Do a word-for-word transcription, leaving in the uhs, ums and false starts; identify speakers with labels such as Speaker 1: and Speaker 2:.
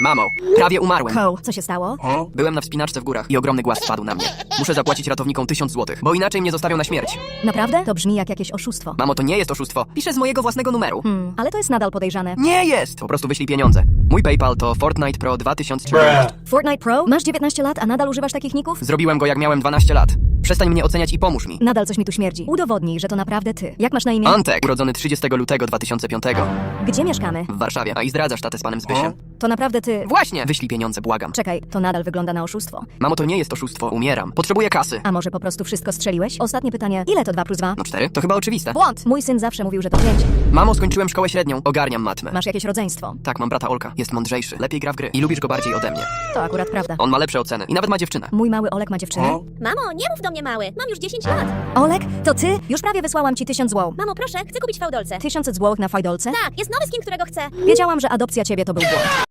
Speaker 1: Mamo, prawie umarłem.
Speaker 2: Cole, co się stało?
Speaker 1: Byłem na wspinaczce w górach i ogromny głaz spadł na mnie. Muszę zapłacić ratownikom tysiąc złotych, bo inaczej mnie zostawią na śmierć.
Speaker 2: Naprawdę? To brzmi jak jakieś oszustwo.
Speaker 1: Mamo, to nie jest oszustwo. Piszę z mojego własnego numeru.
Speaker 2: Hmm, ale to jest nadal podejrzane.
Speaker 1: Nie jest! Po prostu wyślij pieniądze. Mój PayPal to Fortnite Pro dwa tysiące czternaście.
Speaker 2: Fortnite Pro? Masz dziewiętnaście lat, a nadal używasz takich ników?
Speaker 1: Zrobiłem go jak miałem dwanaście lat. Przestań mnie oceniać i pomóż mi.
Speaker 2: Nadal coś mi tu śmierdzi. Udowodnij, że to naprawdę ty. Jak masz na imię?
Speaker 1: Antek, urodzony trzydziestego lutego dwa tysiące piątego
Speaker 2: Gdzie mieszkamy?
Speaker 1: w Warszawie. A i zdradzasz tatę z panem Zbysiem.
Speaker 2: To naprawdę ty...
Speaker 1: Właśnie! Wyślij pieniądze, błagam.
Speaker 2: Czekaj, to nadal wygląda na oszustwo.
Speaker 1: Mamo, to nie jest oszustwo. Umieram. Potrzebuję kasy.
Speaker 2: A może po prostu wszystko strzeliłeś? Ostatnie pytanie. Ile to dwa plus dwa?
Speaker 1: No cztery? To chyba oczywiste.
Speaker 2: Błąd! Mój syn zawsze mówił, że to pięć.
Speaker 1: Mamo, skończyłem szkołę średnią. Ogarniam matmę.
Speaker 2: Masz jakieś rodzeństwo.
Speaker 1: Tak, mam brata Olka. Jest mądrzejszy. Lepiej gra w gry. I lubisz go bardziej ode mnie.
Speaker 2: To akurat prawda.
Speaker 1: On ma lepsze oceny. I nawet ma dziewczynę.
Speaker 2: Mój mały Olek ma dziewczynę.
Speaker 3: Mamo, nie mów do mnie mały, mam już dziesięć lat.
Speaker 2: Olek, to ty? Już prawie wysłałam ci tysiąc złotych.
Speaker 3: Mamo, proszę, chcę kupić fałdolce.
Speaker 2: Tysiąc złotych na fajdolce?
Speaker 3: Tak, jest nowy skin, którego chcę.
Speaker 2: Wiedziałam, że adopcja ciebie to był błąd.